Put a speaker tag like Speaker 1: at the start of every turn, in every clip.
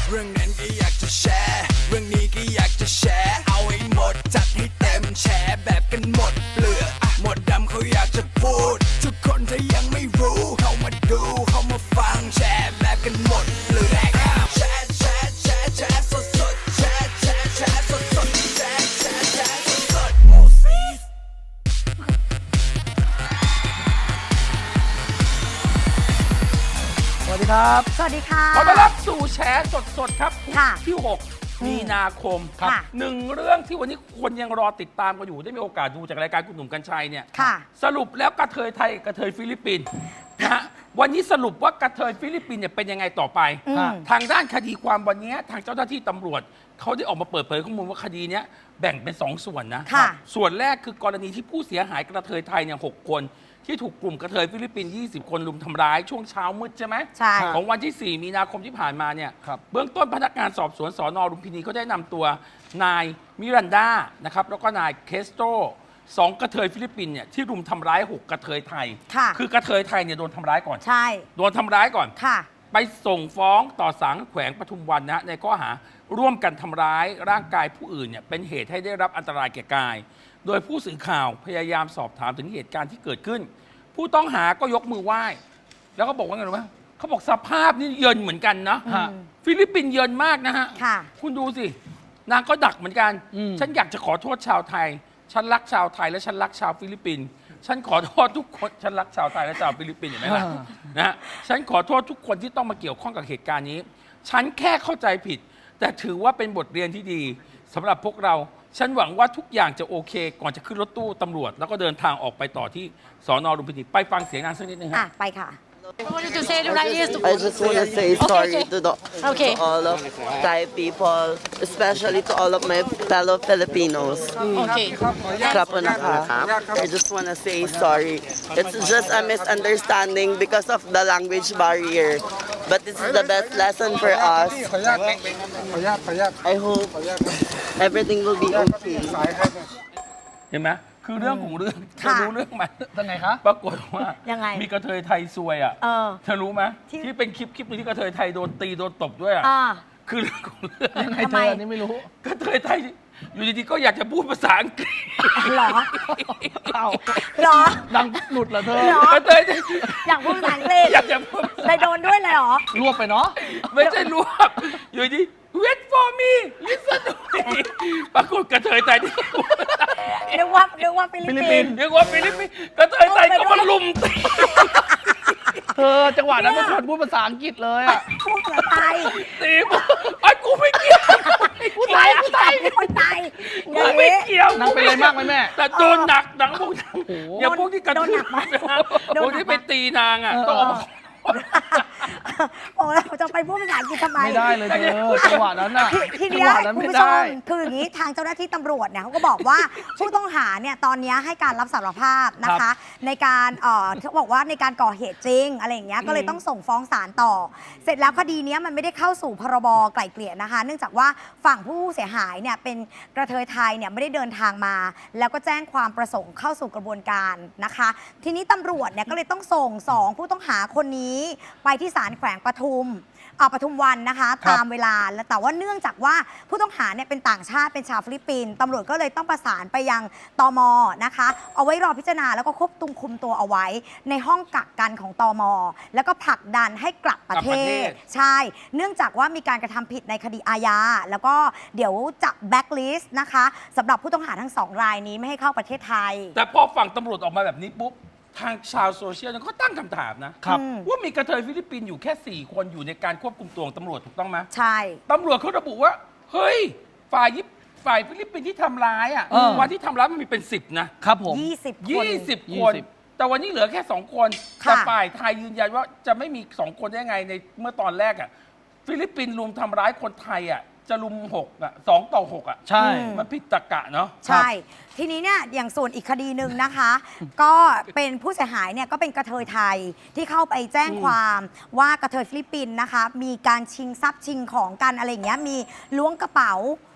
Speaker 1: เรื่องนั้นก็อยากจะแชร์เรื่องนี้ก็อยากจะแชร์เอาให้หมดจัดให้เต็มแชร์แบบกันหมดเปลือกหมดดำเขาอยากจะพูดทุกคนถ้ายังไม่รู้เข้ามาดูเข้ามาฟังแชร์แบบกันหมดเปลือกแชร์แชร์แชร์แชร์สดสดแชร์แชร์แชร์สดสดแชร์แชร์แชร์สดสดโอ้ซีส
Speaker 2: สวัสดีครับ
Speaker 3: สวัสดีค่ะ
Speaker 4: ขอต้อนรับสู่แฉสดๆครับ
Speaker 3: ค่ะ
Speaker 4: ที่ 6 มีนาคม
Speaker 3: ค่ะ
Speaker 4: หนึ่งเรื่องที่วันนี้คนยังรอติดตามกันอยู่ได้มีโอกาสดูจากรายการคุณหนุ่มกัญชัยเนี่ย
Speaker 3: ค่ะ
Speaker 4: สรุปแล้วกระเทยไทยกระเทยฟิลิปปินส์นะฮะวันนี้สรุปว่ากระเทยฟิลิปปินส์เนี่ยเป็นยังไงต่อไป ทางด้านคดีความวันนี้ทางเจ้าหน้าที่ตำรวจเขาได้ออกมาเปิดเผยข้อมูลว่าคดีเนี้ยแบ่งเป็น2 ส่วนนะ
Speaker 3: ค่ะ
Speaker 4: ส่วนแรกคือกรณีที่ผู้เสียหายกระเทยไทยเนี่ย6 คนที่ถูกกลุ่มกระเทยฟิลิปปินส์20 คนรุมทำร้ายช่วงเช้ามืดใช่ไหม
Speaker 3: ใช่
Speaker 4: ของวันที่ 4 มีนาคมที่ผ่านมาเนี่ย
Speaker 2: ครับ
Speaker 4: เบื้องต้นพนักงานสอบสวนสนลุมพินีก็ได้นำตัวนายมิรันดานะครับแล้วก็นายเคสโตร2 กระเทยฟิลิปปินส์เนี่ยที่รุมทำร้าย 6 กระเทยไทย
Speaker 3: ค่ะ
Speaker 4: คือกระเทยไทยเนี่ยโดนทำร้ายก่อน
Speaker 3: ใช่
Speaker 4: โดนทำร้ายก่อน
Speaker 3: ค่ะ
Speaker 4: ไปส่งฟ้องต่อศาลแขวงปทุมวันนะฮะในข้อหาร่วมกันทำร้ายร่างกายผู้อื่นเนี่ยเป็นเหตุให้ได้รับอันตรายแก่กาย โดยผู้สื่อข่าวพยายามสอบถามถึงเหตุการณ์ที่เกิดขึ้น ผู้ต้องหาก็ยกมือไหว้ แล้วก็บอกว่าไงรู้ไหมเขาบอกสภาพนี่เยินเหมือนกันนะ
Speaker 2: ฮะ
Speaker 4: ฟิลิปปินส์เยินมากนะฮะ
Speaker 3: ค่ะ
Speaker 4: คุณดูสิ นางก็ดักเหมือนกัน ฉันอยากจะขอโทษชาวไทย ฉันรักชาวไทยและฉันรักชาวฟิลิปปินส์ฉันขอโทษทุกคน ฉันรักชาวไทยและชาวฟิลิปปินส์เห็นไหมล่ะนะฮะฉันขอโทษทุกคนที่ต้องมาเกี่ยวข้องกับเหตุการณ์นี้ ฉันแค่เข้าใจผิด แต่ถือว่าเป็นบทเรียนที่ดีสำหรับพวกเรา ฉันหวังว่าทุกอย่างจะโอเค ก่อนจะขึ้นรถตู้ตำรวจ แล้วก็เดินทางออกไปต่อที่สอนอลุมพินีไปฟังเสียงนางสักนิดนึง
Speaker 3: อ่ะ
Speaker 4: ฮะ
Speaker 3: ไปค่ะ
Speaker 5: I wanted to say right here.
Speaker 6: I just want to say sorry
Speaker 5: okay.
Speaker 6: to, the,
Speaker 5: Okay.
Speaker 6: to all of Thai people, especially to all of my fellow Filipinos.
Speaker 5: Okay.
Speaker 6: Kapunaka. I just want to say sorry. It's just a misunderstanding because of the language barrier. But this is the best lesson for us. I hope everything will be okay.
Speaker 4: เห็นไหมคือเรื่องของเรื่องเธอ
Speaker 3: ค่ะ
Speaker 4: รู้เรื่องไหม
Speaker 2: เป็นไงคะ
Speaker 4: ปรากฏว่า
Speaker 3: ยังไง
Speaker 4: มีกระเทยไทยซวยอ่ะ
Speaker 3: เออ
Speaker 4: เธอรู้ไหม
Speaker 3: ที่
Speaker 4: ที่เป็นคลิปหนึงที่กระเทยไทยโดนตีโดนตบด้วยอ่ะ
Speaker 3: อ่า
Speaker 4: คือเรื่องของเรื่อง
Speaker 2: ยังไง
Speaker 3: ทำ
Speaker 2: เธ
Speaker 3: ไม
Speaker 2: ออันนี้ไม่รู้
Speaker 4: กระเทยไทยอยู่ดีๆก็อยากจะพูดภาษาอังกฤษ
Speaker 3: เหรอ
Speaker 2: เอา
Speaker 3: เหรอ
Speaker 2: ดังหลุดเหรอเธอ
Speaker 3: เหรอ
Speaker 4: กระเทยไทย
Speaker 3: อยากพูดภาษาอังกฤษ
Speaker 4: อยากจะพูด
Speaker 3: ได้โดนด้วยเลยเหรอ
Speaker 2: รวบไปเนาะ
Speaker 4: ไม่ใช่รวบอยู่ดี wait for me listen to me ปรากฏกระเทยไทยที่
Speaker 3: นึกว่าฟิลิปปินส์
Speaker 4: เรียกว่าฟิลิปปินส์กระเทยไทยก็มาลุมตี
Speaker 2: เธอจังหวะนั้นไม่ควรพูดภาษาอังกฤษเลยอะ
Speaker 3: พูดภาษาไทย
Speaker 4: ตีบอกไอ้กูไม่เกี่ยว
Speaker 3: พูดไทยคนไทยอ
Speaker 4: กู
Speaker 3: ย่าง
Speaker 4: ไม่
Speaker 3: นี้
Speaker 4: เกี่ยว
Speaker 2: นางเป็นอะไรมากไหมแม่
Speaker 4: แต่โดนหนักหนังพวกนั้น
Speaker 2: โอ้โห
Speaker 4: อย่าพวกที่กระ
Speaker 3: โดนหนักมาก โด
Speaker 4: พ
Speaker 3: น
Speaker 4: วก
Speaker 3: หนักมาก
Speaker 4: ที่ไปตีนางอ่ะ
Speaker 2: เออ
Speaker 4: ต้องออกมา
Speaker 3: โอ้เราจะไปพูดภาษาอังกฤษทำไม
Speaker 2: ไม่ได้เลยเธอจังหวะนั้นน่ะ
Speaker 3: ที
Speaker 2: จั
Speaker 3: เนี้
Speaker 2: ง
Speaker 3: ย
Speaker 2: หวะนั้น
Speaker 3: คุณ
Speaker 2: ไม่
Speaker 3: ผู้ช
Speaker 2: ได้
Speaker 3: มคืออย่างนี้ทางเจ้าหน้าที่ตำรวจเนี่ยเขาก็บอกว่า ผู้ต้องหาเนี่ยตอนเนี้ยให้การรับสารภาพนะคะ ในการเขาบอกว่าในการก่อเหตุจริงอะไรอย่างเงี้ยก็เลยต้องส่งฟ้องศาลต่อ เสร็จแล้วคดีเนี้ยมันไม่ได้เข้าสู่พรบไกล่เกลี่ยนะคะ เนื่องจากว่าฝั่งผู้เสียหายเนี่ยเป็นกระเทยไทยเนี่ยไม่ได้เดินทางมา แล้วก็แจ้งความประสงค์เข้าสู่กระบวนการนะคะ ทีนี้ตำรวจเนี่ยก็เลยต้องส่งสองผู้ต้องหาคนนี้ไปที่ศาลแขวงปทุมวันนะคะ
Speaker 2: ครับ
Speaker 3: ตามเวลาแล้วแต่ว่าเนื่องจากว่าผู้ต้องหาเนี่ยเป็นต่างชาติเป็นชาวฟิลิปปินส์ตำรวจก็เลยต้องประสานไปยังตมนะคะ เอาไว้รอพิจารณาแล้วก็ควบคุมตัวเอาไว้ ในห้องกักกันของตมแล้วก็ผลักดันให้กลับประเท
Speaker 4: กลับประเท
Speaker 3: ศ
Speaker 4: ศ
Speaker 3: ใช่ เนื่องจากว่ามีการกระทำผิดในคดีอาญาแล้วก็เดี๋ยวจะแบ็กลิสต์นะคะสำหรับผู้ต้องหาทั้ง2 รายนี้ไม่ให้เข้าประเทศไทย
Speaker 4: แต่พอฝั่งตำรวจออกมาแบบนี้ปุ๊บ ทางชาวโซเชียลเนี่ยเขาตั้งคำถามนะครับ ว่ามีกระเทยฟิลิปปินส์อยู่แค่ 4 คนอยู่ในการควบคุมตัวของตำรวจถูกต้องไหม
Speaker 3: ใช่
Speaker 4: ตำรวจเขาระบุว่า เฮ้ย ฝ่ายฟิลิปปินส์ที่ทำร้ายอ่ะ วันที่ทำร้ายมันมีเป็น 10 นะ
Speaker 2: ครับผม
Speaker 3: 20 คน
Speaker 4: 20 คน
Speaker 2: 20
Speaker 4: แต่วันนี้เหลือแค่ 2 คน
Speaker 3: ค่ะ
Speaker 4: แต่ฝ่ายไทยยืนยันว่าจะไม่มี 2 คนได้ไงในเมื่อตอนแรกอ่ะฟิลิปปินส์รุมทำร้ายคนไทยอ่ะจะรุม6อ่ะ2 ต่อ 6 อ่ะ
Speaker 2: ใช่
Speaker 4: มันผิดตรรกะเนาะ
Speaker 3: ใช่ ทีนี้เนี่ยอย่างส่วนอีกคดีหนึ่งนะคะ ก็เป็นผู้เสียหายเนี่ยก็เป็นกระเทยไทยที่เข้าไปแจ้งความว่ากระเทยฟิลิปปินส์นะคะ มีการชิงทรัพย์ชิงของกันอะไรอย่างเงี้ยมีล้วงกระเป๋า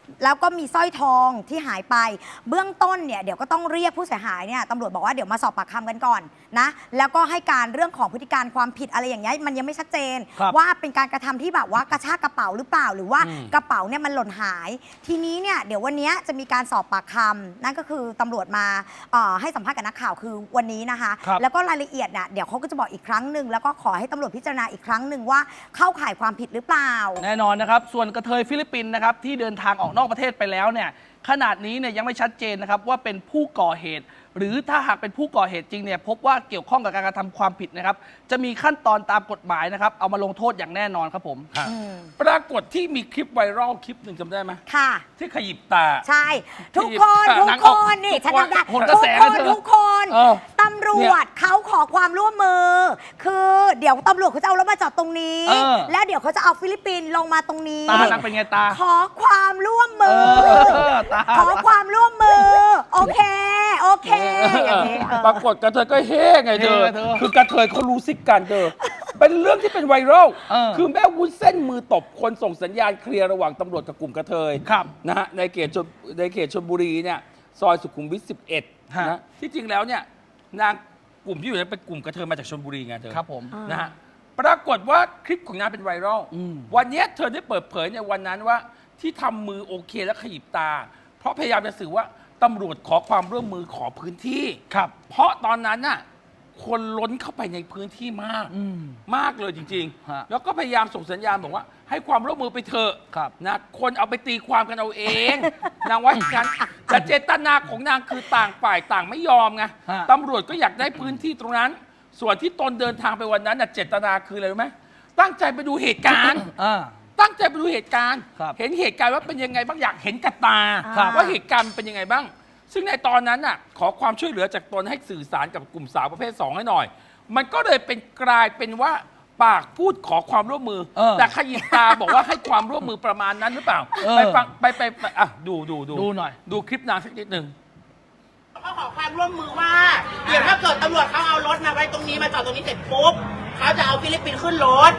Speaker 3: แล้วก็มีสร้อยทองที่หายไปเบื้องต้นเนี่ยเดี๋ยวก็ต้องเรียกผู้เสียหายเนี่ยตำรวจบอกว่าเดี๋ยวมาสอบปากคำกันก่อนนะแล้วก็ให้การเรื่องของพฤติการความผิดอะไรอย่างเงี้ยมันยังไม่ชัดเจน
Speaker 2: ครับ
Speaker 3: ว่าเป็นการกระทำที่แบบว่ากระชากกระเป๋าหรือเปล่าหรือว่ากระเป๋าเนี่ยมันหล่นหาย ทีนี้เนี่ยเดี๋ยววันนี้จะมีการสอบปากคำนั่นก็คือตำรวจมาให้สัมภาษณ์กับนักข่าวคือวันนี้นะคะ
Speaker 2: ครับ
Speaker 3: แล้วก็รายละเอียดเนี่ยเดี๋ยวเขาก็จะบอกอีกครั้งหนึ่งแล้วก็ขอให้ตำรวจพิจารณาอีกครั้งหนึ่งว่าเข้าข่ายความผิดหรือเปล่า
Speaker 2: แน่นอนนะครับ ส่วนกระเทยฟิลิปปินส์นะครับที่เดินทางออกนอกประเทศไปแล้วเนี่ยขนาดนี้เนี่ยยังไม่ชัดเจนนะครับว่าเป็นผู้ก่อเหตุ หรือถ้าหากเป็นผู้ก่อเหตุจริงเนี่ยพบว่าเกี่ยวข้องกับการกระทำความผิดนะครับจะมีขั้นตอนตามกฎหมายนะครับเอามาลงโทษอย่างแน่นอนครับผม
Speaker 4: ปรากฏที่มีคลิปไวรัลคลิปหนึ่งจำได้ไหม
Speaker 3: ค่ะ
Speaker 4: ที่ขยิบตา
Speaker 3: ใช่ ทุกคน
Speaker 4: ที่
Speaker 3: ทุก
Speaker 4: นาง
Speaker 3: ค
Speaker 4: ออก
Speaker 3: นนี่
Speaker 4: ทุ
Speaker 3: ฉั
Speaker 4: ก
Speaker 3: น
Speaker 4: คน
Speaker 3: ทำได้
Speaker 2: โหนกระ
Speaker 3: ทุก
Speaker 2: แส
Speaker 3: ค
Speaker 2: นะ
Speaker 3: น
Speaker 2: เธอ
Speaker 3: ทุกคน
Speaker 4: เออ
Speaker 3: ตำรวจเขาขอความร่วมมือ คือเดี๋ยวตำรวจเขาจะเอารถมาจอดตรงนี้
Speaker 2: เออ
Speaker 3: แล้วเดี๋ยวเขาจะเอาฟิลิปปินส์ลงมาตรงนี้
Speaker 2: ตานางเป็นไงตา
Speaker 3: ขอความร่วมมือ
Speaker 2: ตา
Speaker 3: ขอความร่วมมือ โอเค โอเคอย่างนี้เออ
Speaker 4: ปรากฏกระเทยก็เฮ้ไงเธอ
Speaker 2: เฮ้ไงเธอ
Speaker 4: คือกระเทยเขารู้ซิกกันเธอ เป็นเรื่องที่เป็นไวรัล
Speaker 2: เออ
Speaker 4: คือแม่วุ้นเส้นมือตบคนส่งสัญญาณเคลียร์ระหว่างตำรวจกับกลุ่มกระเทย
Speaker 2: ครับ
Speaker 4: นะฮะในเขตชลบุรีเนี่ยซอยสุขุมวิท 11
Speaker 2: ฮะ
Speaker 4: นะที่จริงแล้วเนี่ยนางกลุ่มที่อยู่นั้นเป็นกลุ่มกระเทยมาจากชลบุรีไงเธอ
Speaker 2: ครับผม
Speaker 4: นะฮะปรากฏว่าคลิปของนางเป็นไวรัล
Speaker 2: อืม
Speaker 4: วันเนี้ยเธอได้เปิดเผยในวันนั้นว่าที่ทำมือโอเคและขยิบตา เพราะพยายามจะสื่อว่าตำรวจขอความร่วมมือขอพื้นที่
Speaker 2: ครับ
Speaker 4: เพราะตอนนั้นน่ะคนล้นเข้าไปในพื้นที่มาก
Speaker 2: อืม
Speaker 4: มากเลยจริง
Speaker 2: ฮะ
Speaker 4: ๆ แล้วก็พยายามส่งสัญญาณบอกว่าให้ความร่วมมือไปเถอะ
Speaker 2: ครับ
Speaker 4: นะคนเอาไปตีความกันเอาเอง นางว่าอย่างนั้นแต่เจตนาของนางคือต่างฝ่ายต่างไม่ยอมไง
Speaker 2: ฮะ
Speaker 4: ตำรวจก็อยากได้พื้นที่ตรงนั้น ส่วนที่ตนเดินทางไปวันนั้นน่ะเจตนาคืออะไรรู้ไหมตั้งใจไปดูเหตุการณ์
Speaker 2: อ่า
Speaker 4: ตั้งใจไปดูเหตุการณ์
Speaker 2: ครับ
Speaker 4: เห็นเหตุการณ์ว่าเป็นยังไงบ้างอยากเห็นกับตา
Speaker 3: ครับ
Speaker 4: ว่าเหตุการณ์มันเป็นยังไงบ้าง ซึ่งในตอนนั้นน่ะขอความช่วยเหลือจากตนให้สื่อสารกับกลุ่มสาวประเภท 2 ให้หน่อย มันก็เลยเป็นกลายเป็นว่าปากพูดขอความร่วมมือ แต่ขยิบตาบอกว่าให้ความร่วมมือประมาณนั้นหรือเปล่า ไปฟังไปอ่ะดู
Speaker 2: ดูหน่อย
Speaker 4: ดูคลิปนางสักนิดหนึ่ง
Speaker 7: เขาขอความร่วมมือว่า เดี๋ยวถ้าเกิดตำรวจเขาเอารถมาไว้ตรงนี้มาจอดตรงนี้เสร็จปุ๊บเขาจะเอาฟิลิปปินส์ขึ้นรถ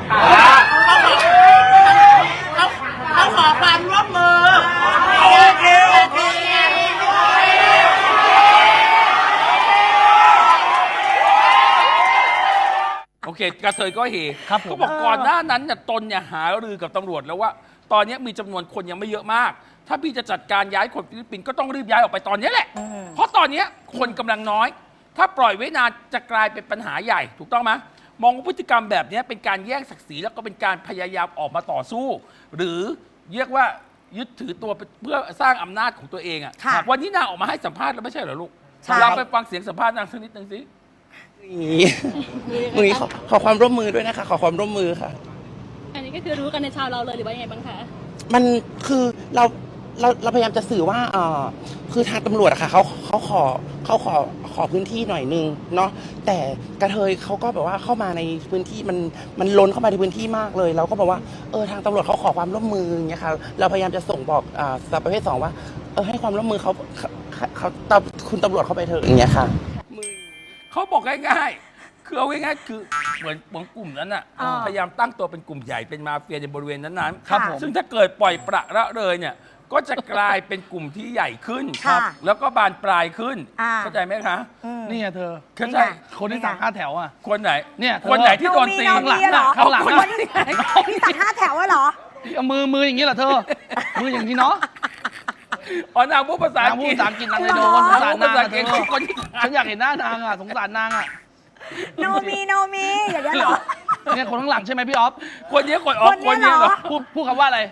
Speaker 7: เขาขอความร่วมมือโอเคโอเค
Speaker 4: โอเคกระเทยก็เฮ
Speaker 2: ครับผม
Speaker 4: เขาบอกก่อนหน้านั้นเนี่ยตนเนี่ยหารือกับตำรวจแล้วว่า ตอนนี้มีจำนวนคนยังไม่เยอะมาก ถ้าพี่จะจัดการย้ายคนฟิลิปปินส์ก็ต้องรีบย้ายออกไปตอนนี้แหละ เพราะตอนนี้คนกำลังน้อย ถ้าปล่อยไว้นานจะกลายเป็นปัญหาใหญ่ ถูกต้องไหมมองว่าพฤติกรรมแบบนี้เป็นการแย่งศักดิ์ศรีแล้วก็เป็นการพยายามออกมาต่อสู้ หรือเรียกว่ายึดถือตัวเพื่อสร้างอำนาจของตัวเองอะ
Speaker 3: ค่ะ
Speaker 4: วันนี้นางออกมาให้สัมภาษณ์แล้วไม่ใช่เหรอลูก
Speaker 3: ใช่
Speaker 4: เราไปฟังเสียงสัมภาษณ์นางสักนิดหนึ่งสิ
Speaker 6: มือนี้ขอความร่วมมือด้วยนะคะ ขอความร่วมมือค่ะ
Speaker 5: อันนี้ก็คือรู้กันในชาวเราเลยหรือว่ายังไงบ้างคะ
Speaker 6: มันคือเราพยายามจะสื่อว่าคือทางตำรวจอะค่ะเขาขอพื้นที่หน่อยนึงเนาะแต่กระเทยเขาก็แบบว่าเข้ามาในพื้นที่มันล้นเข้ามาในพื้นที่มากเลย เราก็บอกว่าทางตำรวจเขาขอความร่วมมืออย่างเงี้ยค่ะเราพยายามจะส่งบอกสาวประเภท 2 ว่าให้ความร่วมมือเขาคุณตำรวจเข้าไปเถอะอย่างเงี้ยค่ะ
Speaker 4: เขาบอกง่ายๆ คือเอาง่ายๆ คือเหมือนกลุ่มนั้นน่ะ
Speaker 3: อ่า
Speaker 4: พยายามตั้งตัวเป็นกลุ่มใหญ่เป็นมาเฟียในบริเวณนั้นๆ
Speaker 3: ครับผม
Speaker 4: ซึ่งถ้าเกิดปล่อยประละเลยเนี่ย ก็จะกลายเป็นกลุ่มที่ใหญ่ขึ้น
Speaker 3: ค่ะ
Speaker 4: แล้วก็บานปลายขึ้น
Speaker 3: อ่า
Speaker 4: เข้าใจไหมคะ
Speaker 2: นี่ไงเธอ
Speaker 4: เข้า
Speaker 3: นี่
Speaker 4: ใจ
Speaker 3: ไง
Speaker 2: คนที่สั่ง5 แถวอ่ะ
Speaker 4: คนไหน
Speaker 2: เนี่ยเธอ
Speaker 4: คนไหนที่โดนตี
Speaker 3: โนมีเหรอ
Speaker 2: ข้างหลัง
Speaker 3: คน
Speaker 2: อะ
Speaker 3: ที่สั่ง5 แถวอะเหรอ
Speaker 2: เอามืออย่างนี้เหรอเธอ มืออย่างนี้เนาะ
Speaker 4: อ๋อนางพูดภาษา
Speaker 2: นา
Speaker 4: อั
Speaker 2: ง
Speaker 4: ง
Speaker 2: พู
Speaker 4: ก
Speaker 2: ด
Speaker 4: ฤษ
Speaker 2: ภาษาอังกฤษนางเลยโด
Speaker 3: หร
Speaker 2: น
Speaker 3: อ
Speaker 2: สงสารนางอะเธ
Speaker 4: พูดภาษาอังกฤษ
Speaker 2: อ
Speaker 4: คนที่
Speaker 2: ฉันอยากเห็นหน้านางอ่ะสงสารนางอ่ะ
Speaker 3: โนมีอย่างนี้ยเหรอ
Speaker 2: เนี่ยคนข้างหลังใช่ไหมพี่ออฟ
Speaker 4: คนนี้คนออก
Speaker 3: ค
Speaker 4: คน น
Speaker 3: เนี้
Speaker 4: นี้
Speaker 3: ย
Speaker 4: เห
Speaker 3: เห
Speaker 4: ร
Speaker 3: ร
Speaker 4: อ
Speaker 3: อ
Speaker 2: พูดคำว่าอะไร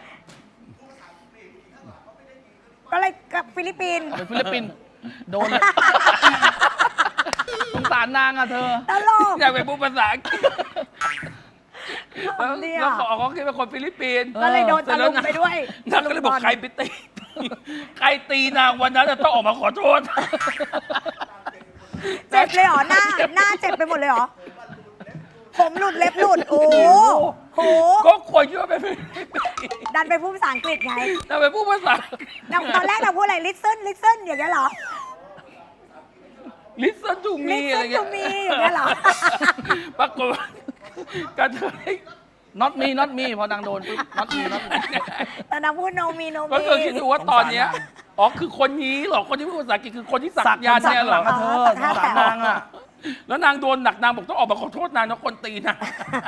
Speaker 3: ก็เลยกับฟิลิปปินส์
Speaker 2: เป็นฟิลิปปินส์โดนเลยสงสารนางอ่ะเธอ
Speaker 3: ตลก
Speaker 4: อยากไปพูดภาษาอังกฤษแล้ว
Speaker 3: เนี่ย
Speaker 4: แล้วเขาคิดเป็นคนฟิลิปปินส์
Speaker 3: ก็เลยโดนตะลุมไปด้วย
Speaker 4: นางก็เลยบอกใครไปตี ใครตีนางวันนั้นน่ะต้องออกมาขอโทษ
Speaker 3: เจ็บเลยเหรอ หน้าเจ็บไปหมดเลยเหรอ ผมหลุดเล็บหลุด โอ้โห
Speaker 4: ก็ควรคิดว่าเป็นฟิลิปปินส์
Speaker 3: ดันไปพูดภาษาอังกฤษไง
Speaker 4: นางไปพูดภาษาอังกฤษ
Speaker 3: ตอนแรกเราพูดอะไร listen อย่างเงี้ยเหรอ
Speaker 4: listen to me
Speaker 3: Listen
Speaker 4: อะไรเงี้ย
Speaker 3: to me อย่างเงี้ยเหรอ
Speaker 4: ปรากฏว่ากระเทย
Speaker 2: not me not me พอนางโดนปุ๊บ not me not me
Speaker 3: แต่นางพูด no me no me
Speaker 4: ก็คือคิดดูว่าตอนเนี้ยอ๋อคือคนนี้เหรอคนที่พูดภาษาอังกฤษคือคนที่สักยันต์เนี่ยเหรอ
Speaker 2: สักหลังอะเธอสงสารนางอ่ะ
Speaker 4: แล้วนางโดนหนักนางบอกต้องออกมาขอโทษนางนะคนตีนาง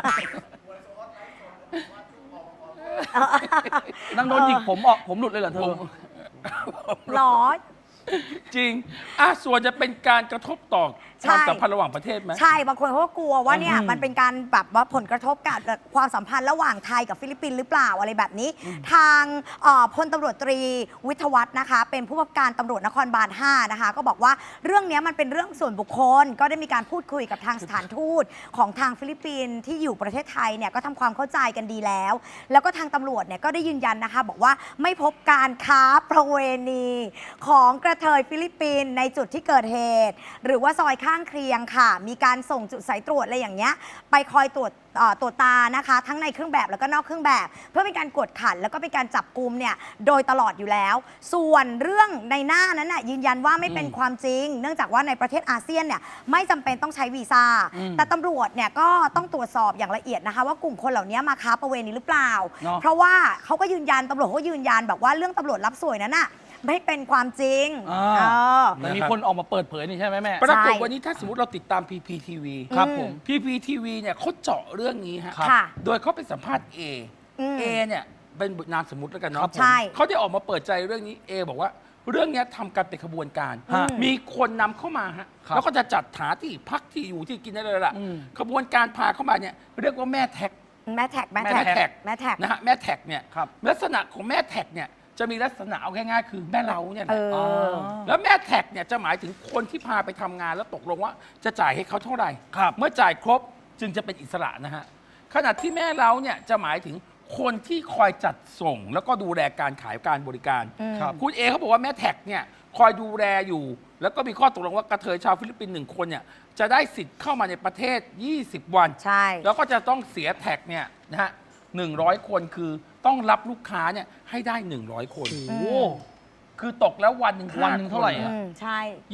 Speaker 2: นางโดนหยิกผมออกผมหลุดเลยเหรอเธอ
Speaker 3: หรอ
Speaker 4: จริงส่วนจะเป็นการกระทบต่อ
Speaker 3: ใช่
Speaker 4: ความสัมพันธ์ระหว่างประเทศไหม
Speaker 3: ใช่ บางคนเขาก็กลัวว่าเนี่ยมันเป็นการแบบว่าผลกระทบกับความสัมพันธ์ระหว่างไทยกับฟิลิปปินส์หรือเปล่าอะไรแบบนี้ ทางพลตำรวจตรีวิทยวัฒน์นะคะ เป็นผู้บังคับการตำรวจนครบาล 5 นะคะ ก็บอกว่าเรื่องนี้มันเป็นเรื่องส่วนบุคคล ก็ได้มีการพูดคุยกับทางสถานทูตของทางฟิลิปปินส์ที่อยู่ประเทศไทยเนี่ยก็ทำความเข้าใจกันดีแล้ว แล้วก็ทางตำรวจเนี่ยก็ได้ยืนยันนะคะ บอกว่าไม่พบการค้าประเวณีของกระเทยฟิลิปปินส์ในจุดที่เกิดเหตุ หรือว่าซอยข้างเคียงค่ะ มีการส่งจุดสายตรวจอะไรอย่างเงี้ยไปคอยตรวจตานะคะ ทั้งในเครื่องแบบแล้วก็นอกเครื่องแบบ เพื่อเป็นการกวดขันแล้วก็เป็นการจับกุมเนี่ยโดยตลอดอยู่แล้ว ส่วนเรื่องในหน้านั้นน่ะยืนยันว่าไม่เป็นความจริง เนื่องจากว่าในประเทศอาเซียนเนี่ยไม่จำเป็นต้องใช้วีซ่าแต่ตำรวจเนี่ยก็ต้องตรวจสอบอย่างละเอียดนะคะ ว่ากลุ่มคนเหล่านี้มาค้าประเวณีหรือเปล่า เพราะว่าเขาก็ยืนยันตำรวจเขาก็ยืนยันแบบว่าเรื่องตำรวจรับสวยนั้นน่ะไม่เป็นความจริง
Speaker 2: แต่มีคนออกมาเปิดเผยนี่ใช่ไหมแม่
Speaker 4: ปรากฏวันนี้ถ้าสมมติเราติดตาม PPTV
Speaker 2: ครับผม
Speaker 4: PPTV เนี่ยเขาเจาะเรื่องนี้ฮะ
Speaker 3: ค่ะ
Speaker 4: โดยเขาไปสัมภาษณ์ A เนี่ยเป็นนามสมมติแล้วกันเนาะ
Speaker 3: ใช่
Speaker 4: เขาได้ออกมาเปิดใจเรื่องนี้ A บอกว่าเรื่องนี้ทำกันเป็นขบวนการ มีคนนำเข้ามาฮะ
Speaker 2: ครับ
Speaker 4: แล้วก็จะจัดหาที่พักที่อยู่ที่กินอะไรล่ะ ขบวนการพาเข้ามาเนี่ยเรียกว่าแม่แท็ก
Speaker 3: แม่แท็ก
Speaker 4: แม่แท็ก
Speaker 3: แม่แท็ก
Speaker 4: นะฮะแม่แท็กเนี่ย
Speaker 2: ครับ
Speaker 4: ลักษณะของแม่แท็กเนี่ยจะมีลักษณะเอาง่ายๆคือแม่เล้าเนี่ยแหละ
Speaker 2: อ
Speaker 4: แล้วแม่แท็กเนี่ยจะหมายถึงคนที่พาไปทำงานแล้วตกลงว่าจะจ่ายให้เขาเท่าไหร่
Speaker 2: ครับ
Speaker 4: เมื่อจ่ายครบจึงจะเป็นอิสระนะฮะขณะที่แม่เล้าเนี่ยจะหมายถึงคนที่คอยจัดส่ง แล้วก็ดูแลการขายการบริการ
Speaker 2: ครับ
Speaker 4: คุณเอเขาบอกว่าแม่แท็กเนี่ยคอยดูแลอยู่ แล้วก็มีข้อตกลงว่ากระเทยชาวฟิลิปปินส์1 คนเนี่ยจะได้สิทธิ์เข้ามาในประเทศ 20 วัน
Speaker 3: ใช่
Speaker 4: แล้วก็จะต้องเสียแท็กเนี่ยนะฮะ100 คนคือต้องรับลูกค้าเนี่ยให้ได้ 100 คน
Speaker 2: โอ้โห
Speaker 4: คือตกแล้ววันหนึ่ง
Speaker 2: วันหนึ่งเท่าไหร่อะ
Speaker 3: ใช่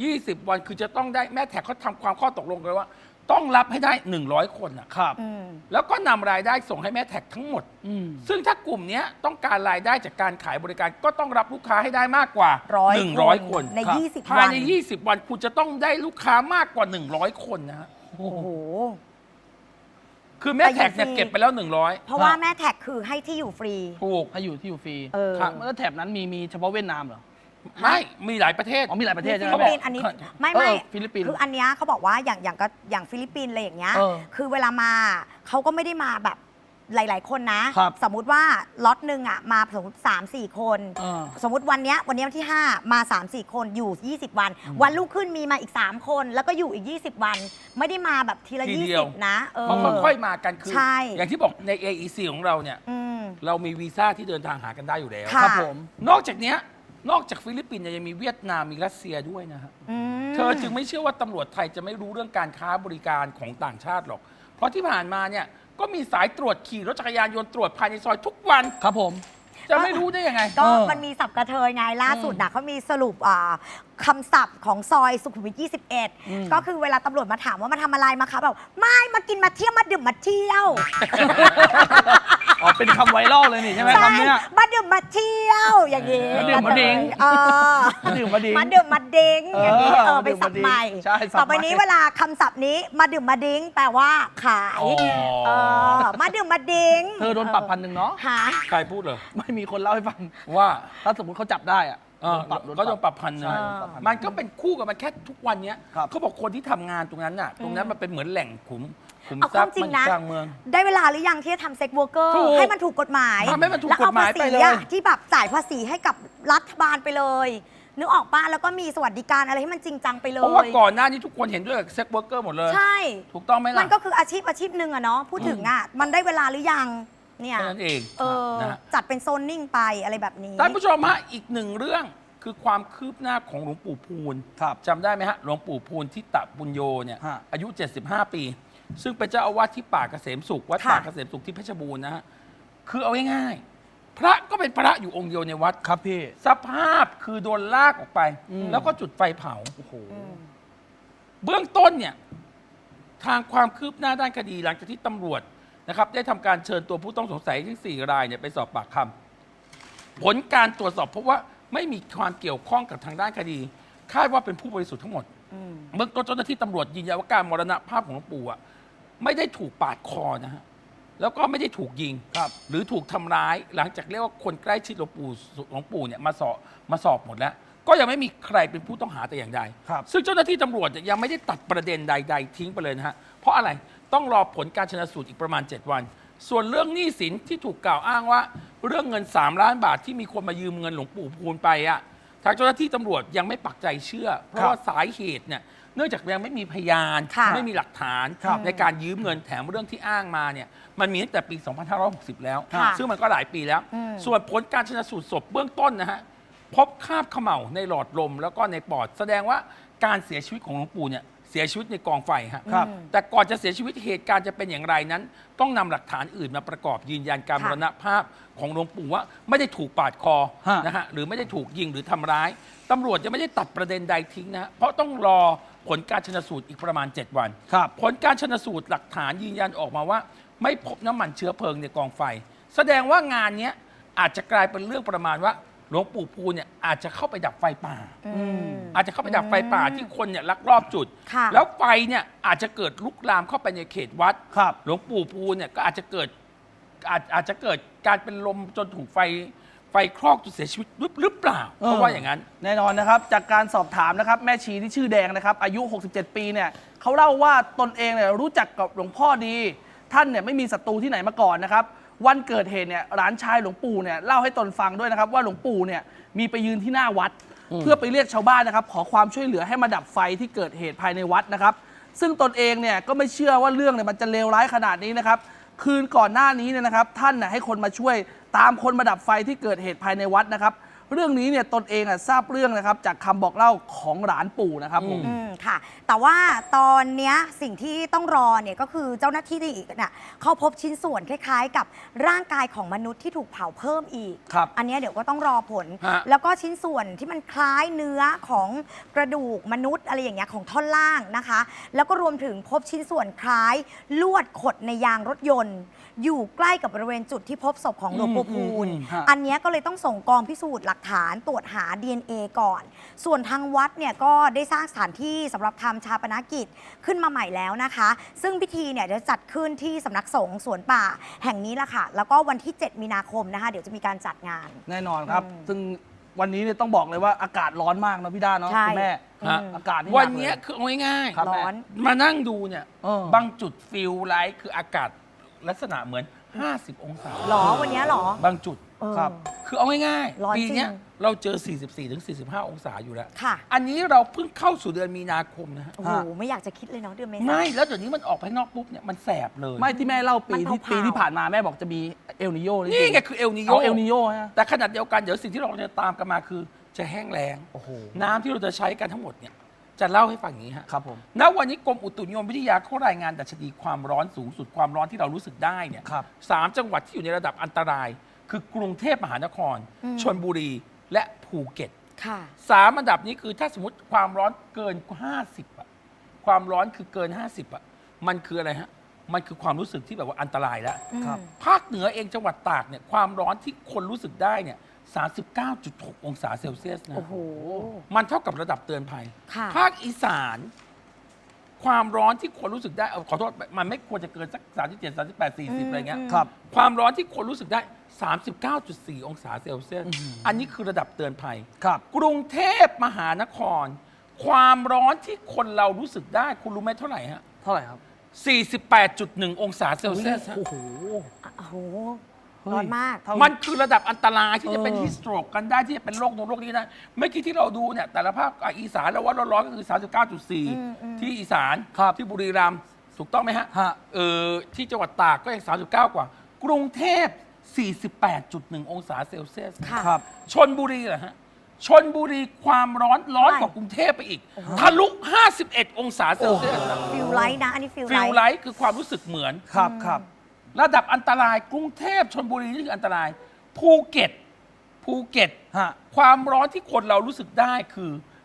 Speaker 4: 20 วันคือจะต้องได้แม่แท็กเขาทำความข้อตกลงกันว่า ต้องรับให้ได้ 100 คนอ่ะ
Speaker 2: ครับ
Speaker 4: แล้วก็นำรายได้ส่งให้แม่แท็กทั้งหมด ซึ่งถ้ากลุ่มเนี้ยต้องการรายได้จากการขายบริการก็ต้องรับลูกค้าให้ได้มากกว่า 100 คน
Speaker 3: ใน
Speaker 2: ครับ
Speaker 3: 20
Speaker 4: ภาย
Speaker 3: วัน
Speaker 4: ใน 20 วันคุณจะต้องได้ลูกค้ามากกว่า 100 คนนะฮะ
Speaker 3: โอ้โห
Speaker 4: คือแม่แท็กเนี่ย
Speaker 3: แต่ยังฟรี
Speaker 4: เก็บไปแล้ว
Speaker 3: เพราะว่าแม่แท็กคือให้ที่อยู่ฟรี
Speaker 4: 100 ถูก
Speaker 2: ให้อยู่ที่อยู่ฟรี
Speaker 4: ครับ
Speaker 2: แล้วแถบนั้นมีเฉพาะเวียดนามเหรอ
Speaker 4: ไม่มีหลายประเทศ
Speaker 2: อ๋อมีหลายประเทศใช่ไหม
Speaker 3: ฟิลิป
Speaker 2: แม่
Speaker 3: ปินส์อันนี้ไม่
Speaker 2: ฟิลิปปินส์
Speaker 3: คืออันเนี้ยเขาบอกว่าอย่างฟิลิปปินส์อะไรอย่างเงี้ย
Speaker 2: เออ
Speaker 3: คือเวลามาเขาก็ไม่ได้มาแบบหลาย ๆ คนนะ สมมุติว่าล็อตหนึ่งอ่ะมาสมมติ3-4 คน สมมติวันเนี้ยวันที่ 5 มา 3-4 คนอยู่ 20 วัน วันรุ่งขึ้นมีมาอีก 3 คน แล้วก็อยู่อีก 20 วัน ไม่ได้มาแบบทีละ
Speaker 4: ทีเดียว
Speaker 3: 20 นะ
Speaker 4: มันค่อยๆมากันคือ
Speaker 3: ใช่
Speaker 4: อย่างที่บอกใน AEC ของเราเนี่ย
Speaker 3: อืม
Speaker 4: เรามีวีซ่าที่เดินทางหากันได้อยู่แล้ว
Speaker 3: ค่ะ
Speaker 2: ครับผม
Speaker 4: นอกจากเนี้ยนอกจากฟิลิปปินส์เนี่ยยังมีเวียดนามมีรัสเซียด้วยนะฮะ
Speaker 3: อืม
Speaker 4: เธอจึงไม่เชื่อว่าตำรวจไทยจะไม่รู้เรื่องการค้าบริการของต่างชาติหรอก เพราะที่ผ่านมาเนี่ยก็มีสายตรวจขี่รถจักรยานยนต์ตรวจภายในซอยทุกวัน
Speaker 2: ครับผม
Speaker 4: จะไม่รู้ได้ยังไง
Speaker 3: ก็
Speaker 2: เออ
Speaker 3: มันมีศัพท์กระเทยไงล่าสุดนะเขามีสรุปคำศัพท์ของซอยสุขุมวิท 21 ก็คือเวลาตำรวจมาถามว่ามาทำอะไรมาคะแบบไม่มากินมาเที่ยวมาดื่มมาเที่ยว
Speaker 2: อ๋อเป็นคำไวรัลเลยนี่ใช่ไหม
Speaker 3: ใช่
Speaker 2: คำเนี้ย
Speaker 3: มาดื่มมาเที่ยวอย่างนี้
Speaker 2: มาดื่มมาดิ้ง
Speaker 3: เออ
Speaker 2: มาดื่มมาดิ้ง
Speaker 3: มาดื่มมาดิ้งอย่างนี้
Speaker 2: เออ
Speaker 3: เป็นศัพท์ใหม่
Speaker 2: ใช่ศัพท์ใหม่
Speaker 3: ต่อไปนี้เวลาคำศัพท์นี้มาดื่มมาดิ้งแปลว่าขาย
Speaker 4: อ๋อ
Speaker 3: เออมาดื่มมาดิ้ง
Speaker 2: เธอโดนปรับ1,000เนาะ
Speaker 3: หา
Speaker 4: ใครพูดเหรอ
Speaker 2: ไม่มีคนเล่าให้ฟัง
Speaker 4: ว่า
Speaker 2: ถ้าสมมติเขาจับได้อะ
Speaker 4: ก็โดนปรับพันหนึ่ง
Speaker 2: ใช่โดนปรับ1,000
Speaker 4: มันก็เป็นคู่กับมันแค่ทุกวันเนี้ย
Speaker 2: ครับ
Speaker 4: เขาบอกคนที่ทำงานตรงนั้นน่ะ ตรงนั้นมันเป็นเหมือนแหล่งขุม
Speaker 3: เอา
Speaker 4: ทรัพย์
Speaker 3: ความจริ
Speaker 4: มั
Speaker 3: ง
Speaker 4: น
Speaker 3: นะ
Speaker 4: กลางเมือง
Speaker 3: ได้เวลาหรือยังที่จะทำเซ็กเวิร์กเกอร์
Speaker 4: ถูก
Speaker 3: ให้มันถูกกฎหมาย
Speaker 4: ทำให้มันถูก
Speaker 3: แล้วเอา
Speaker 4: กฎหมาย
Speaker 3: ภาษี
Speaker 4: ไปเลย
Speaker 3: อะที่แบบจ่ายภาษีให้กับรัฐบาลไปเลย นึกออกป้ะแล้วก็มีสวัสดิการอะไรให้มันจริงจังไปเล
Speaker 4: เพราะว่า
Speaker 3: ย
Speaker 4: ก่อนหน้านี้ทุกคนเห็นด้วยกับเซ็กเวิร์กเกอร์หมดเลย
Speaker 3: ใช่
Speaker 4: ถูกต้องไหม
Speaker 3: มั
Speaker 4: ล่ะ
Speaker 3: นก็คืออาชีพหนึ่งอะเนาะพูดถึงอะมันได้เวลาหรือยังเนี่ย
Speaker 4: แค่นั้นเอง
Speaker 3: เออ
Speaker 4: นะฮะ
Speaker 3: จัดเป็นโซนนิ่งไปอะไรแบบนี้
Speaker 4: ท่านผู้ชมฮะอีกหนึ่งเรื่องคือความคืบหน้าของหลวงปู่พูน
Speaker 2: ครับ
Speaker 4: จำได้ไหมฮะหลวงปู่พูนทิตะบุญโยเนี่ย
Speaker 2: ฮะ
Speaker 4: อายุ 75 ปี ซึ่งเป็นเจ้าอาวาสที่ป่าเกษมสุขวัด
Speaker 3: ค่ะ
Speaker 4: ป่าเกษมสุขที่เพชรบูรณ์นะฮะคือเอาง่ายๆพระก็เป็นพระอยู่องค์เดียวในวัด
Speaker 2: ครับพี่
Speaker 4: สภาพคือโดนลากออกไป แล้วก็จุดไฟเผา
Speaker 2: โอ้โห
Speaker 4: เบื้องต้นเนี่ยทางความคืบหน้าด้านคดีหลังจากที่ตำรวจนะครับได้ทำการเชิญตัวผู้ต้องสงสัยทั้ง4รายเนี่ยไปสอบปากคำผลการตรวจสอบพบว่าไม่มีความเกี่ยวข้องกับทางด้านคดีคาดว่าเป็นผู้บริสุทธิ์ทั้งหมดเบื้องต้นเจ้าหน้าที่ตำรวจยืนยันว่าการมรณภาพของหลวงปู่อ่ะไม่ได้ถูกปาดคอนะฮะแล้วก็ไม่ได้ถูกยิงหรือถูกทำร้ายหลังจากเรียกว่าคนใกล้ชิดหลวงปู่เนี่ยมาสอบหมดแล้วก็ยังไม่มีใครเป็นผู้ต้องหาแต่อย่างใดซึ่งเจ้าหน้าที่ตำรวจยังไม่ได้ตัดประเด็นใดๆทิ้งไปเลยนะฮะเพราะอะไรต้องรอผลการชนสูตรอีกประมาณ7 วันส่วนเรื่องหนี้สินที่ถูกกล่าวอ้างว่าเรื่องเงิน3 ล้านบาทที่มีคนมายืมเงินหลวงปู่พูนไปอะทางเจ้าหน้าที่ตำรวจยังไม่ปักใจเชื่อเพราะว่าสาเหตุเนี่ยเนื่องจากยังไม่มีพยานไม่มีหลักฐานในการยืมเงินแถมเรื่องที่อ้างมาเนี่ยมันมีตั้งแต่ปี 2560 แล้วซึ่งมันก็หลายปีแล้วส่วนผลการชนสูตรศพเบื้องต้นนะฮะพบคราบเขม่าในหลอดลมแล้วก็ในปอดแสดงว่าการเสียชีวิตของหลวงปู่เนี่ยเสียชีวิตในกองไฟฮะแต่ก่อนจะเสียชีวิตเหตุการณ์จะเป็นอย่างไรนั้นต้องนำหลักฐานอื่นมาประกอบยืนยันการมรณภาพของหลวงปู่ว่าไม่ได้ถูกปาดคอนะฮะหรือไม่ได้ถูกยิงหรือทำร้ายตำรวจจะไม่ได้ตัดประเด็นใดทิ้งนะฮะเพราะต้องรอผลการชนสูตรอีกประมาณ7 วันผลการชนสูตรหลักฐานยืนยันออกมาว่าไม่พบน้ำมันเชื้อเพลิงในกองไฟแสดงว่างานนี้อาจจะกลายเป็นเรื่องประมาณว่าหลวงปู่พูนเนี่ยอาจจะเข้าไปดับไฟป่าอาจจะเข้าไปดับไฟป่าที่คนเนี่ยลักลอบจุดแล้วไฟเนี่ยอาจจะเกิดลุกลามเข้าไปในเขตวัดหลวงปู่พูนเนี่ยก็อาจจะเกิดการเป็นลมจนถูกไฟคลอกจนเสียชีวิตหรือเปล่าเพราะว่าอย่างนั้น
Speaker 2: แน่นอนนะครับจากการสอบถามนะครับแม่ชีที่ชื่อแดงนะครับอายุ67 ปีเนี่ยเขาเล่าว่าตนเองเนี่ยรู้จักกับหลวงพ่อดีท่านเนี่ยไม่มีศัตรูที่ไหนมาก่อนนะครับวันเกิดเหตุเนี่ยหลานชายหลวงปู่เนี่ยเล่าให้ตนฟังด้วยนะครับว่าหลวงปู่เนี่ยมีไปยืนที่หน้าวัดเพื่อไปเรียกชาวบ้านนะครับขอความช่วยเหลือให้มาดับไฟที่เกิดเหตุภายในวัดนะครับซึ่งตนเองเนี่ยก็ไม่เชื่อว่าเรื่องเนี่ยมันจะเลวร้ายขนาดนี้นะครับคืนก่อนหน้านี้เนี่ยนะครับท่านน่ะให้คนมาช่วยตามคนมาดับไฟที่เกิดเหตุภายในวัดนะครับเรื่องนี้เนี่ยตนเองทราบเรื่องนะครับจากคำบอกเล่าของหลานปู่นะครับผม
Speaker 3: ค่ะแต่ว่าตอนเนี้ยสิ่งที่ต้องรอเนี่ยก็คือเจ้าหน้าที่อีกน่ะเขาพบชิ้นส่วนคล้ายๆ กับร่างกายของมนุษย์ที่ถูกเผาเพิ่มอีกอันนี้เดี๋ยวก็ต้องรอผลแล้วก็ชิ้นส่วนที่มันคล้ายเนื้อของกระดูกมนุษย์อะไรอย่างเงี้ยของท่อนล่างนะคะแล้วก็รวมถึงพบชิ้นส่วนคล้ายลวดขดในยางรถยนต์อยู่ใกล้กับบริเวณจุดที่พบศพของหลวงปู่พูนอันนี้ก็เลยต้องส่งกองพิสูจน์หลักฐานตรวจหา DNA ก่อน ส่วนทางวัดเนี่ยก็ได้สร้างสถานที่สำหรับทำชาปนกิจขึ้นมาใหม่แล้วนะคะ ซึ่งพิธีเนี่ยจะจัดขึ้นที่สำนักสงฆ์สวนป่าแห่งนี้แหละค่ะ แล้วก็วันที่ 7 มีนาคมนะคะเดี๋ยวจะมีการจัดงาน
Speaker 2: แน่นอนครับซึ่งวันนี้เนี่ยต้องบอกเลยว่าอากาศร้อนมากนะพี่ด้าเนาะคุณแม่อากาศนี่
Speaker 4: วันนี้คือเอาง่าย
Speaker 3: ๆร้อน
Speaker 4: มานั่งดูเนี่ยบางจุดฟิลไลท์คืออากาศลักษณะเหมือน50 องศา
Speaker 3: หรอวันนี้หรอบ
Speaker 4: างจุดครับคือเอาง่ายๆปีนี้เราเจอ 44-45 องศาอยู่แล้วอันนี้เราเพิ่งเข้าสู่เดือนมีนาคมนะฮะ
Speaker 3: โอ้โหไม่อยากจะคิดเลยเนาะเดือนเมษายน
Speaker 4: ไม่แล้วเดี๋ยวนี้มันออกไปนอกปุ๊บเนี่ยมันแสบเลย
Speaker 2: ไม่ที่แม่เล่าปีที่ผ่านมาแม่บอกจะมีเอลนิโย
Speaker 4: นี่ไงคือเอลนิโย
Speaker 2: เอลนิโยฮะ
Speaker 4: แต่ขนาดเดียวกันเดี๋ยวสิ่งที่เราจะตามกันมาคือจะแห้งแล้งน้ำที่เราจะใช้กันทั้งหมดเนี่ยจะเล่าให้ฟังอย่างนี้ฮะ
Speaker 2: ครับผม
Speaker 4: ณ วันนี้กรมอุตุนิยมวิทยาเขารายงานดัชนีความร้อนสูงสุดความร้อนที่เรารู้สึกได้เนี่ย3 จังหวัดที่อยู่ในระดับอันตรายคือกรุงเทพมหานครชลบุรีและภูเก็ต3 อันดับนี้คือถ้าสมมติความร้อนเกิน50อะความร้อนคือเกิน50อะมันคืออะไรฮะมันคือความรู้สึกที่แบบว่าอันตรายแล้วภาคเหนือเองจังหวัดตากเนี่ยความร้อนที่คนรู้สึกได้เนี่ย39.6 องศาเซลเซียสนะมันเท่ากับระดับเตือนภัยภาคอีสานความร้อนที่คนรู้สึกได้ขอโทษมันไม่ควรจะเกินสัก37 38 40อะไรเงี้ยความร้อนที่คนรู้สึกได้39.4 องศาเซลเซียสอันนี้คือระดับเตือนภัยกรุงเทพมหานครความร้อนที่คนเรารู้สึกได้คุณรู้ไหมเท่าไหร่ฮะ
Speaker 2: เท่าไหร่ครับ
Speaker 4: 48.1 องศาเซลเซียส
Speaker 3: โอ้โหร้อนมาก
Speaker 4: มันคือระดับอันตรายที่จะเป็นฮิสโตรกกันได้ที่จะเป็นโรคโน้นโรคนี้นะเมื่อกี้ที่เราดูเนี่ยแต่ละภาคอีสานแล้วว่าร้อนๆก็คือ 39.4 ที่อีสานที่บุรีรัมย์ถูกต้องไหมฮะที่จังหวัดตากก็ยัง39 กว่ากรุงเทพ 48.1 องศาเซลเซียสชลบุรีเหรอฮะชลบุรีความร้อนกว่ากรุงเทพไปอีกทะลุ 51 องศาเซลเซียส
Speaker 3: ฟิลไลท์นะอันนี้ฟิล
Speaker 4: ไลท์คือความรู้สึกเหมือน
Speaker 2: ครับ
Speaker 4: ระดับอันตรายกรุงเทพชลบุรีนี่คืออันตรายภูเก็ตความร้อนที่คนเรารู้สึกได้คือ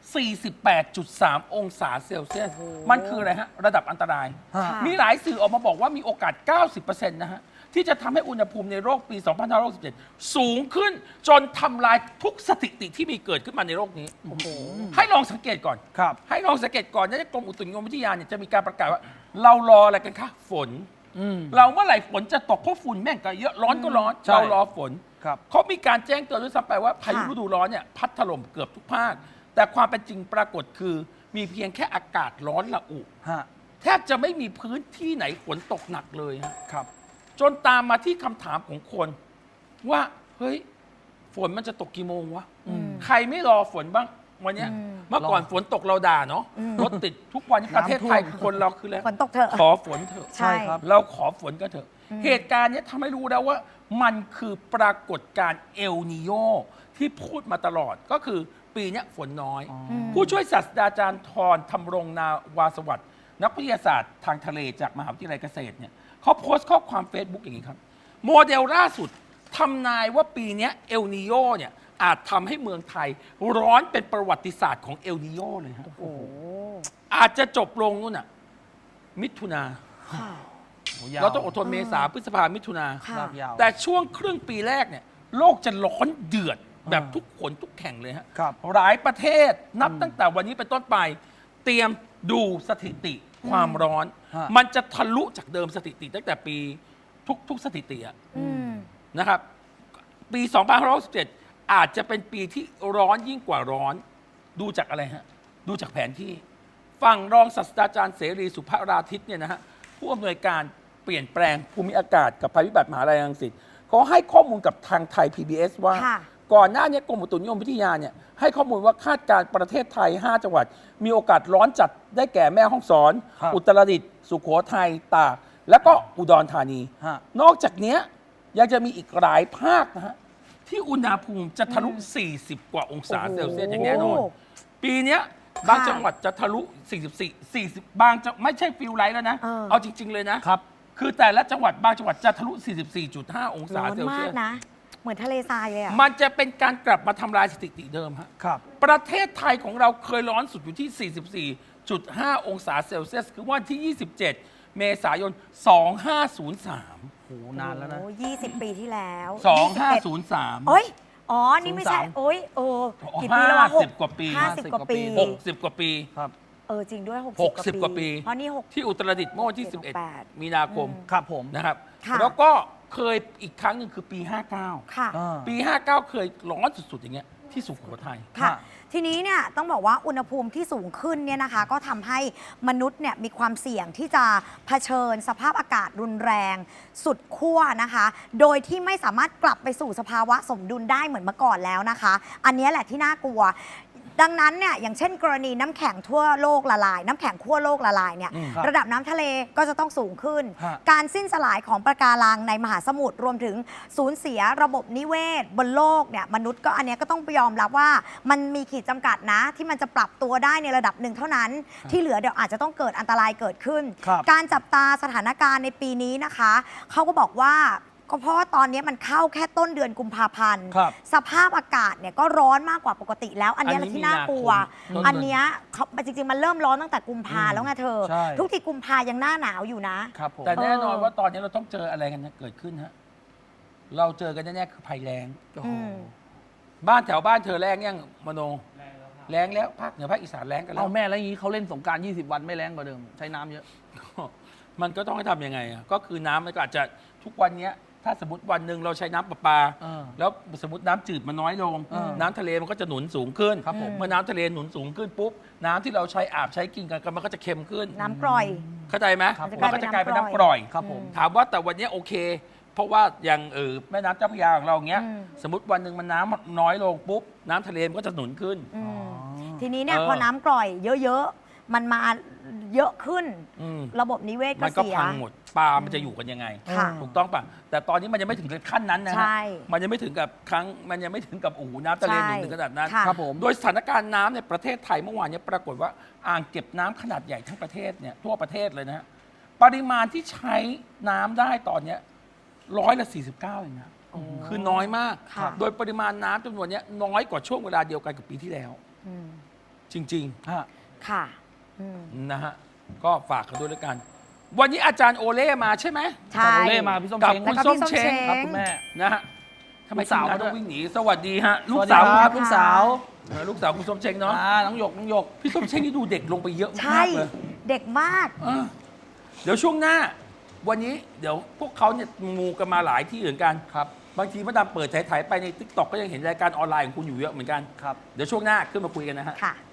Speaker 4: 48.3 องศาเซลเซียส มันคืออะไรฮะ ระดับอันตราย
Speaker 3: ค่ะ
Speaker 4: มีหลายสื่อออกมาบอกว่ามีโอกาส 90%นะฮะ ที่จะทำให้อุณหภูมิในโลกปี 2567 สูงขึ้น จนทำลายทุกสถิติที่มีเกิดขึ้นมาในโลกนี้ ให้ลองสังเกตก่อน
Speaker 2: ครับ
Speaker 4: ให้ลองสังเกตก่อนนะกรมอุตุนิยมวิทยาเนี่ยจะมีการประกาศว่า เรารออะไรกันคะฝน เราเมื่อไหร่ฝนจะตกเพราะฝุ่นแม่งก็เยอะร้อนก็ร้อน
Speaker 2: ใช่
Speaker 4: เรารอฝน
Speaker 2: ครับ
Speaker 4: เขามีการแจ้งเตือนด้วยซ้ำไปว่าพายุ
Speaker 3: ค่ะ
Speaker 4: ฤดูร้อนเนี่ยพัดถล่มเกือบทุกภาค แต่ความเป็นจริงปรากฏคือมีเพียงแค่อากาศร้อนระอุ
Speaker 2: ฮะ
Speaker 4: แทบจะไม่มีพื้นที่ไหนฝนตกหนักเลยฮะ
Speaker 2: ครับ
Speaker 4: จนตามมาที่คำถามของคน ว่าเฮ้ยฝนมันจะตกกี่โมงวะใครไม่รอฝนบ้างวันเนี้ยเมื่อก่อนฝนตกเราด่าเนาะรถติดทุกวันนี้ประเทศไทยคนเราคือแล้ว
Speaker 3: ฝนตกเถอะ
Speaker 4: ขอฝนเถอะ
Speaker 3: ใช่ครับ
Speaker 4: เราขอฝนก็เถอะ เหตุการณ์เนี้ยทำให้รู้แล้วว่ามันคือปรากฏการณ์เอลนิโยที่พูดมาตลอดก็คือปีเนี้ยฝนน้อย ผู้ช่วยศาสตราจารย์ธรธำรงนาวาสวัสดิ์นักวิทยาศาสตร์ทางทะเลจากมหาวิทยาลัยเกษตรเนี่ยเขาโพสต์ข้อความ Facebook อย่างนี้ครับ โมเดลล่าสุดทำนายว่าปีเนี้ยเอลนิโยเนี่ยอาจทำให้เมืองไทยร้อนเป็นประวัติศาสตร์ของเอลนิโยเลยฮะอาจจะจบลงนู่นน่ะมิถุนา เราต้องอดทนเมษาพฤษภามิถุนา
Speaker 3: ค่ะ
Speaker 2: ลากยาว
Speaker 4: แต่ช่วงครึ่งปีแรกเนี่ยโลกจะร้อนเดือดแบบทุกคนทุกแข่งเลยฮะ
Speaker 2: ครับ
Speaker 4: หลายประเทศนับตั้งแต่วันนี้เป็นต้นไป เตรียมดูสถิติความร้อน
Speaker 2: ฮะ
Speaker 4: มันจะทะลุจากเดิมสถิติตั้งแต่ปีทุกสถิติอะ
Speaker 3: อืม
Speaker 4: นะครับ ปี 2567 อาจจะเป็นปีที่ร้อนยิ่งกว่าร้อน ดูจากอะไรฮะ ดูจากแผนที่ ฝั่งรองศาสตราจารย์เสรีสุภราทิตย์เนี่ยนะฮะ ผู้อำนวยการเปลี่ยนแปลงภูมิอากาศกับภัยพิบัติมหาลัยรังสิตเขาให้ข้อมูลกับทางไทย PBS ว่า
Speaker 3: ค่ะ
Speaker 4: ก่อนหน้านี้กรมอุตุนิยมวิทยาเนี่ยให้ข้อมูลว่าคาดการณ์ประเทศไทย 5 จังหวัด มีโอกาสร้อนจัดได้แก่แม่ฮ่องสอน
Speaker 2: ครับ
Speaker 4: อุตรดิตถ์สุโขทัยตากแล้วก็อุดรธานี
Speaker 2: ฮะ
Speaker 4: นอกจากเนี้ยยังจะมีอีกหลายภาคนะฮะที่อุณหภูมิจะทะลุ 40 กว่าองศาเซลเซียสอย่างแน่นอน ปีเนี้ยบางจังหวัดจะทะลุ 44 40 บางจังไม่ใช่ฟิลไลท์แล้วนะ เอาจริง ๆ เลยนะ
Speaker 2: ครับ
Speaker 4: คือแต่ละจังหวัดบางจังหวัดจะทะลุ 44.5 องศา
Speaker 3: ร้อน
Speaker 4: เซล
Speaker 3: มา
Speaker 4: เซี
Speaker 3: ก
Speaker 4: ยส
Speaker 3: นะ เหมือนทะเลทรายเลยอ่ะ
Speaker 4: มันจะเป็นการกลับมาทำลายสถิติเดิมฮะ
Speaker 2: ครับ
Speaker 4: ประเทศไทยของเราเคยร้อนสุดอยู่ที่ 44.5 องศาเซลเซียส คือวันที่ 27 เมษายน 2503
Speaker 2: โห นานแล้วนะ
Speaker 3: โอ้20 ปีที่แล้ว
Speaker 4: 2503
Speaker 3: โอ้ย อ๋อ นี่ไม่ใช่
Speaker 2: 03
Speaker 3: โอ้ยโอ้กี่ปีแล้ววะ
Speaker 4: 50 กว่าปี
Speaker 3: 50 กว่าปี
Speaker 4: 60 กว่าปี
Speaker 2: ครับ
Speaker 3: จริงด้วย
Speaker 4: 60 กว่าปี
Speaker 3: เพราะนี่6
Speaker 4: ที่อุตรดิตถ์เมื่อวันที่
Speaker 3: 68
Speaker 4: 11 มีนาคม
Speaker 2: ครับผม
Speaker 4: นะครับ
Speaker 3: ค่ะ
Speaker 4: แล้วก็เคยอีกครั้งหนึ่งคือปี 59
Speaker 3: ค่ะ
Speaker 2: อ่า
Speaker 4: ปี 59 เคยร้อนสุด ๆ อย่างเงี้ยที่สุโขทัย
Speaker 3: ค่ะ
Speaker 2: ฮะ
Speaker 3: ทีนี้เนี่ยต้องบอกว่าอุณหภูมิที่สูงขึ้นเนี่ยนะคะ ก็ทำให้มนุษย์เนี่ยมีความเสี่ยงที่จะเผชิญสภาพอากาศรุนแรงสุดขั้วนะคะ โดยที่ไม่สามารถกลับไปสู่สภาวะสมดุลได้เหมือนเมื่อก่อนแล้วนะคะ อันนี้แหละที่น่ากลัว ดังนั้นเนี่ยอย่างเช่น กรณีน้ำแข็งทั่วโลกละลาย น้ำแข็งขั้วโลกละลายเนี่ย
Speaker 2: ครับ
Speaker 3: ระดับน้ำทะเลก็จะต้องสูงขึ้น
Speaker 2: ฮะ
Speaker 3: การสิ้นสลายของปะการังในมหาสมุทรรวมถึงสูญเสียระบบนิเวศบนโลกเนี่ยมนุษย์ก็อันเนี้ยก็ต้องยอมรับว่ามันมีขีดจำกัดนะ ที่มันจะปรับตัวได้ในระดับหนึ่งเท่านั้น ที่เหลือเดี๋ยวอาจจะต้องเกิดอันตรายเกิดขึ้น
Speaker 2: ครับ
Speaker 3: การจับตาสถานการณ์ในปีนี้นะคะเขาก็บอกว่าก็เพราะว่าตอนนี้มันเข้าแค่ต้นเดือนกุมภาพันธ์
Speaker 2: ครับ
Speaker 3: สภาพอากาศเนี่ยก็ร้อนมากกว่าปกติแล้ว อันเนี้ย
Speaker 4: อันนี้
Speaker 3: ที่น่ากลัว
Speaker 4: มีนาคม
Speaker 3: อันเนี้ยเขาจริงๆมันเริ่มร้อนตั้งแต่กุมภาแล้วไงเธอ
Speaker 2: ใช่
Speaker 3: ทุกทีกุมภายังหน้าหนาวอยู่นะ
Speaker 2: ครับผม
Speaker 4: แต่แน่นอนว่าตอนนี้เราต้องเจออะไรกันนะเกิดขึ้นฮะ เราเจอกันแน่ๆคือภัยแล้ง
Speaker 2: โอ้โห
Speaker 3: อืม
Speaker 4: บ้านแถวบ้านเธอแล้งยังมโนแล้งแล้วภาคเหนือภาคอีสานแล้งกันแล้
Speaker 2: เอา
Speaker 4: ว
Speaker 2: แม่แล้วอย่างนี้เขาเล่นสงกราร 20 วันไม่แรงกว่าเดิม ใช้น้ำเยอะ
Speaker 4: มันก็ต้องให้ทำยังไงอ่ะก็คือน้ำมันก็อาจจะทุกวันเนี้ยถ้าสมมติวันหนึ่งเราใช้น้ำประปา
Speaker 2: เออ
Speaker 4: แล้วสมมติน้ำจืดมันน้อยลง น้ำทะเลมันก็จะหนุนสูงขึ้น
Speaker 2: ครับผม
Speaker 4: เมื่อน้ำทะเลหนุนสูงขึ้นปุ๊บน้ำที่เราใช้อาบใช้กินกันมันก็จะเค็มขึ้น
Speaker 3: น้ำกร่อย
Speaker 4: เข้าใจไหม
Speaker 2: ครับ
Speaker 4: มันก็จะกลายเป็นน้ำก
Speaker 3: กร่
Speaker 4: ร่อ
Speaker 3: อย ย
Speaker 2: ครับผม
Speaker 4: ถามว่าแต่วันนี้โอเค เพราะว่าอย่างแม่น้ำเจ้าพระยาของเราอย่างเงี้ย
Speaker 3: อืม
Speaker 4: สมมติวันหนึ่งมันน้ำน้อยลงปุ๊บน้ำทะเลมันก็จะหนุนขึ้น
Speaker 3: อืมทีนี้เนี่ย
Speaker 4: เออ
Speaker 3: พอน้ำกร่อยเยอะๆ มันมาเยอะขึ้น
Speaker 4: อืม
Speaker 3: ระบบนิเวศก็
Speaker 4: มันก็
Speaker 3: เสีย
Speaker 4: พังหมดปลามันจะอยู่กันยังไง
Speaker 3: ค่ะ
Speaker 4: ถูกต้องป่ะแต่ตอนนี้มันยังไม่ถึงขั้นนั้นนะ
Speaker 3: ใช่
Speaker 4: ฮะมันยังไม่ถึงกับมันยังไม่ถึงกับโอ้โหน้ำทะเลหนุนถึงขนาดนั้น
Speaker 3: ค่ะ
Speaker 2: ครับผม
Speaker 4: โดยสถานการณ์น้ำในประเทศไทยเมื่อวานเนี้ปรากฏว่าอ่างเก็บน้ำขนาดใหญ่ทั้งประเทศเนี่ยทั่วประเทศเลยนะฮะปริมาณที่ใช้น้ำได้ตอนเนี้ย49%เองนะคือน้อยมาก
Speaker 3: ค่ะ
Speaker 4: โดยปริมาณน้ำจำนวนเนี้ยน้อยกว่าช่วงเวลาเดียวกันกับปีที่แล้ว
Speaker 3: อืม
Speaker 4: จริง
Speaker 2: ฮะ
Speaker 3: ค่ะอืม
Speaker 4: ๆ นะฮะ ก็ฝากกันด้วยแล้วกัน วันนี้อาจารย์โอเล่มาใช่ไหม
Speaker 3: ใช่
Speaker 2: จาโรเล่มาพี่ส้ม
Speaker 4: กับ
Speaker 2: เช้ง
Speaker 4: คุณ
Speaker 3: แล้วก็
Speaker 4: ส้
Speaker 3: พี่
Speaker 4: ม
Speaker 3: ส้ม
Speaker 4: เช้ง
Speaker 3: เช้ง
Speaker 2: ครับคุณแม่
Speaker 4: นะฮะทำไม
Speaker 2: ลูกสาว
Speaker 4: ทีมงน
Speaker 2: ด้วย
Speaker 4: ต้องวิ่งหนี สวัสดีฮะ ลู
Speaker 2: ส
Speaker 4: ก
Speaker 2: วัสดี
Speaker 4: สาว
Speaker 2: ครับลูกสาว
Speaker 4: ลูกสาวคุณส้มเช้งเนาะ
Speaker 2: น้องหยกน้องหยก
Speaker 4: พี่ส้มเช้งนี่ดูเด็กลงไปเยอะ
Speaker 3: ใช่
Speaker 4: มากเลย
Speaker 3: เด็กมาก
Speaker 4: เออเดี๋ยวช่วงหน้า วันนี้เดี๋ยวพวกเขาเนี่ยมูกันมาหลายที่เหมือนกัน
Speaker 2: ครับ
Speaker 4: บางทีมาดามเปิดถ่ายๆไปในทิกตอกก็ยังเห็นรายการออนไลน์ของคุณอยู่เยอะเหมือนกัน
Speaker 2: ครับ
Speaker 4: เดี๋ยวช่วงหน้าขึ้นมาคุยกันนะฮะ
Speaker 3: ค่ะ